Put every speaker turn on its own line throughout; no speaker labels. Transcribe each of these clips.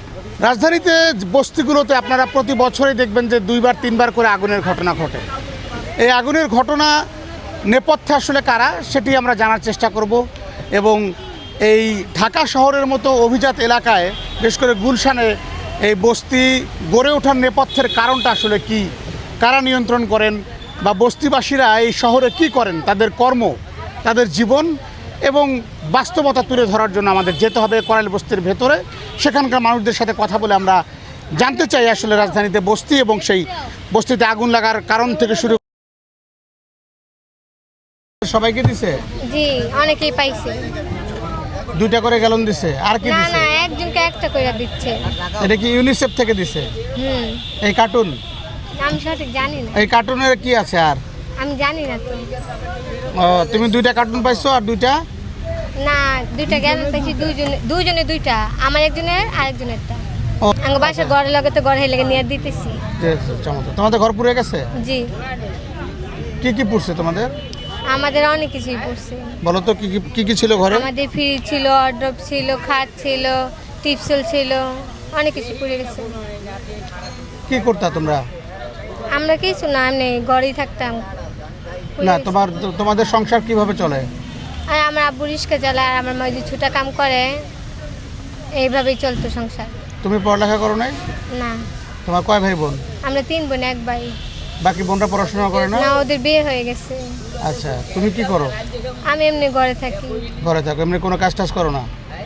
রাজধানীতে বস্তিগুলোতে আপনারা প্রতি বছরই দেখবেন যে 2বার 3বার করে আগুনের ঘটনা ঘটে। এই আগুনের ঘটনা নেপথ্যে আসলে কারা সেটি আমরা জানার চেষ্টা করব এবং এই ঢাকা শহরের মতো অভিজাত এলাকায় বিশেষ করে গুলশানে এই বস্তি গড়ে ওঠার নেপথ্যের কারণটা আসলে কি, কারা নিয়ন্ত্রণ করেন বা বস্তিবাসীরা এই শহরে কি করেন, তাদের কর্ম, তাদের জীবন এবং বাস্তবতা তুলে ধরার জন্য আমাদের যেতে হবে করাইল বস্তির ভেতরে। সেখানকার মানুষদের সাথে কথা বলে আমরা জানতে চাই আসলে রাজধানীতে বস্তি এবং সেই বস্তিতে আগুন লাগার কারণ থেকে শুরু। সবাইকে দিছে?
জি, অনেকেই পাইছে।
2টা করে গ্যালন দিছে? আর কি
না
দিছে?
না, একজনকে একটা করে দিচ্ছে।
এটা কি ইউনিসেফ থেকে দিছে? এই কার্টুন
আমি সঠিক জানি না।
এই কার্টুনের কি আছে? আর
আমি জানি না তো।
তুমি 2টা কার্টুন পাইছো আর 2টা?
না, 2টা গ্যালন পাইছি, দুইজনে 2টা, আমার একজনের আর একজনেরটা। আঙ্গ বাসা ঘরে লগে তো ঘরে লেগে নিয়ে দিতেছি।
চমৎকার। তোমাদের ঘর পুড়ে গেছে?
জি।
কি কি পুড়ছে তোমাদের?
আমাদের অনেক কিছুই পড়ছে।
বলো তো কি কি ছিল ঘরে?
আমাদের ফ্রিজ ছিল, ওয়ার্ড্রপ ছিল, খাট ছিল, টিপসল ছিল, অনেক কিছু পুড়ে গেছে।
কি করতা তোমরা?
আমরা কিছু না, এমনি ঘরেই থাকতাম।
না, তোমাদের সংসার কিভাবে চলে?
আর আমার আব্বু রিস্কা চালায় আর আমার মা যে ছুটা কাম করে, এইভাবেই চলতো সংসার।
তুমি পড়ালেখা করো নাই?
না।
তোমার কয় ভাই বোন?
আমরা 3 বোন 1 ভাই।
বাকি বোনরা পড়াশোনা করে না?
না, ওদের বিয়ে হয়ে গেছে।
আচ্ছা, তুমি কি করো?
আমি এমনি ঘরে থাকি।
ঘরে থাকো, এমনি কোনো কাজ টাজ করো না?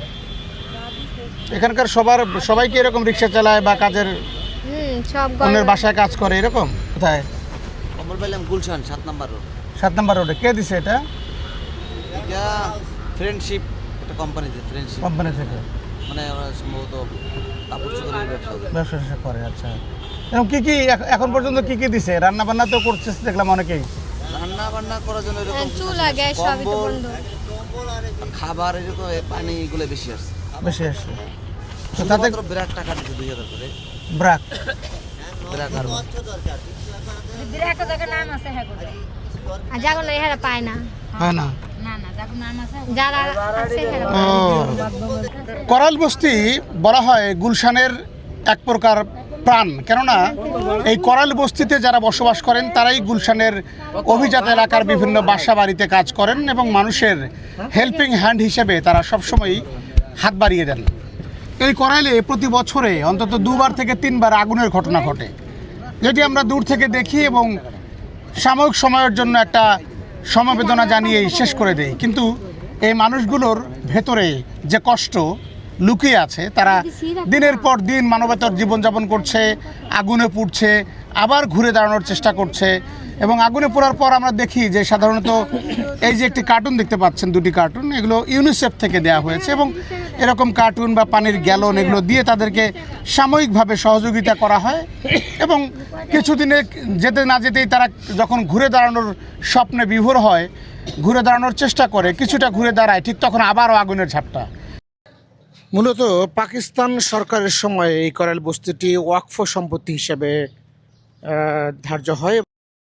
এখানকার সবাই কি এরকম রিক্সা চালায় বা কাজের
সব
অন্যের বাসায় কাজ করে এরকম? কোথায়?
কমল পাইলাম গুলশান 7 নম্বর রোড।
7 নম্বর রোডে। কে দিছে এটা?
এটা ফ্রেন্ডশিপ একটা কোম্পানিতে, ফ্রেন্ডশিপ
কোম্পানি থেকে।
মানে আমরা সম্ভবত কাপড় চোপড়ের
ব্যবসা করে। আচ্ছা, এরকম কি কি এখন পর্যন্ত কি কি দিছে? রান্না বান্না তো করছে দেখলাম অনেকেই।
রান্না বান্না করার জন্য এরকম
চুলা গ্যাস সবই তো বন্ধ।
খাবার এরকম পানি এগুলো বেশি আসছে।
তো তাতে
ব্র্যাক টাকা দিচ্ছে 2000 করে।
ব্র্যাক
আর
বিরাট জায়গা নাম আছে হ্যাঁ করে। আর জাগো না এরা পায় না।
হয় না?
না না, জাগো নাম আছে। যারা আছে এরা
ও, করাইল বস্তি বলা হয় গুলশানের এক প্রকার প্রাণ, কেননা এই করাইল বস্তিতে যারা বসবাস করেন তারাই গুলশানের অভিজাত এলাকার বিভিন্ন বাসা বাড়িতে কাজ করেন এবং মানুষের হেল্পিং হ্যান্ড হিসেবে তারা সবসময়ই হাত বাড়িয়ে দেন। এই করাইলে প্রতি বছরে অন্তত 2বার থেকে 3বার আগুনের ঘটনা ঘটে, যেটি আমরা দূর থেকে দেখি এবং সাময়িক সময়ের জন্য একটা সমবেদনা জানিয়েই শেষ করে দেই। কিন্তু এই মানুষগুলোর ভেতরে যে কষ্ট লুকিয়ে আছে, তারা দিনের পর দিন মানবতার জীবনযাপন করছে, আগুনে পুড়ছে, আবার ঘুরে দাঁড়ানোর চেষ্টা করছে এবং আগুনে পোড়ার পর আমরা দেখি যে সাধারণত এই যে একটি কার্টুন দেখতে পাচ্ছেন, 2টি কার্টুন, এগুলো ইউনিসেফ থেকে দেওয়া হয়েছে এবং এরকম কার্টুন বা পানির গ্যালন এগুলো দিয়ে তাদেরকে সাময়িকভাবে সহযোগিতা করা হয় এবং কিছুদিনে যেতে না যেতেই তারা যখন ঘুরে দাঁড়ানোর স্বপ্নে বিভোর হয়, ঘুরে দাঁড়ানোর চেষ্টা করে, কিছুটা ঘুরে দাঁড়ায়, ঠিক তখন আবারও আগুনের ঝাপটা। মূলত পাকিস্তান সরকারের সময় এই করাইল বস্তিটি ওয়াকফ সম্পত্তি হিসেবে ধার্য হয়।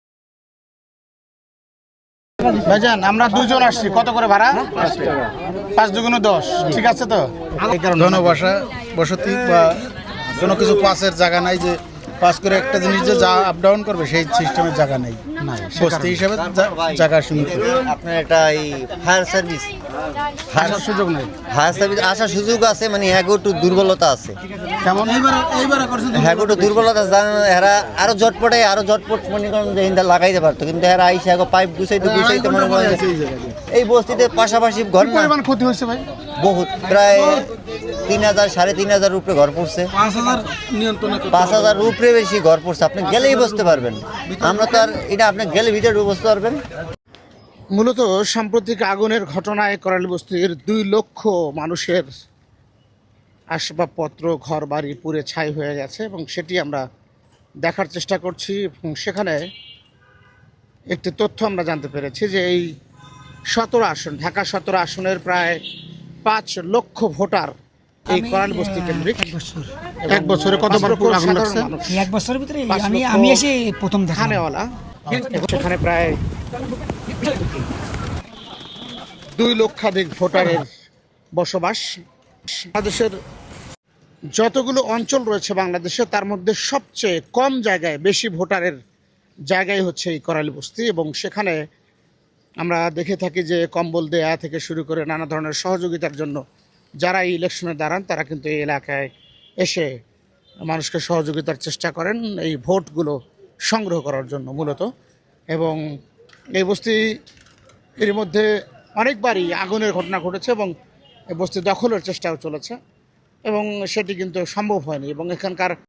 ভাইজান, আমরা 2 জন আসছি, কত করে ভাড়া? 5 দুগুণ 10। ঠিক আছে তো?
জনবাসা বসতি বা কোনো কিছু পাসের জায়গা নাই, যে পাস করে একটা জিনিস যে যা আপ ডাউন করবে সেই সিস্টেমের জায়গা নেই। বস্তি হিসাবে জায়গা সীমিত।
আপনার একটা এই ফায়ার সার্ভিস
আসার সুযোগ নেই।
ফায়ার সার্ভিস আসার সুযোগ আছে, মানে হ্যাগো একটু দুর্বলতা আছে।
কেমন?
হ্যাগো একটু দুর্বলতা জানেন, এরা আরো ঝটপট মনে করেন যে হিন্দা লাগাইতে পারতো, কিন্তু এরা আইসে হ্যাগো পাইপ গুছাইতে মনে করেন এই বস্তিতে পাশাপাশি ঘর না
পরিমাণ ক্ষতি হয়েছে ভাই?
বহুত, প্রায় 3000 3500 উপরে ঘর পড়ছে। 5000 উপরে বেশি ঘর পড়ছে। আপনি গেলেই বুঝতে পারবেন, আমরা তো আর এটা আপনি গেলে ভিতরে বুঝতে পারবেন।
মূলত সাম্প্রতিক আগুনের ঘটনায় করাইল বস্তির 2 লক্ষ মানুষের আসবাবপত্র, ঘর বাড়ি পুড়ে ছাই হয়ে গেছে এবং সেটি আমরা দেখার চেষ্টা করছি এবং সেখানে একটি তথ্য আমরা জানতে পেরেছি যে এই 17 আসন, ঢাকা 17 আসনের প্রায় 5 লক্ষ ভোটার এই করাইল বস্তি কেন্দ্রিক। এক বছরে কতবার আগুন লাগছে?
এক বছরের ভিতরে আমি এসে প্রথম
খানেওয়ালা, সেখানে প্রায় 2 লক্ষাধিক ভোটারের বসবাস। বাংলাদেশের যতগুলো অঞ্চল রয়েছে বাংলাদেশে তার মধ্যে সবচেয়ে কম জায়গায় বেশি ভোটারের জায়গায় হচ্ছে এই করাইল বস্তি, এবং সেখানে আমরা দেখে থাকি যে কম্বল দেয়া থেকে শুরু করে নানা ধরনের সহযোগিতার জন্য যারা এই ইলেকশনে দাঁড়ান তারা কিন্তু এই এলাকায় এসে মানুষকে সহযোগিতার চেষ্টা করেন এই ভোটগুলো সংগ্রহ করার জন্য মূলত। এবং এই বস্তি এর মধ্যে অনেকবারই আগুনের ঘটনা ঘটেছে এবং এই বস্তি দখলের চেষ্টাও চলেছে, এবং সেটি কিন্তু সম্ভব হয়নি। এবং এখানকার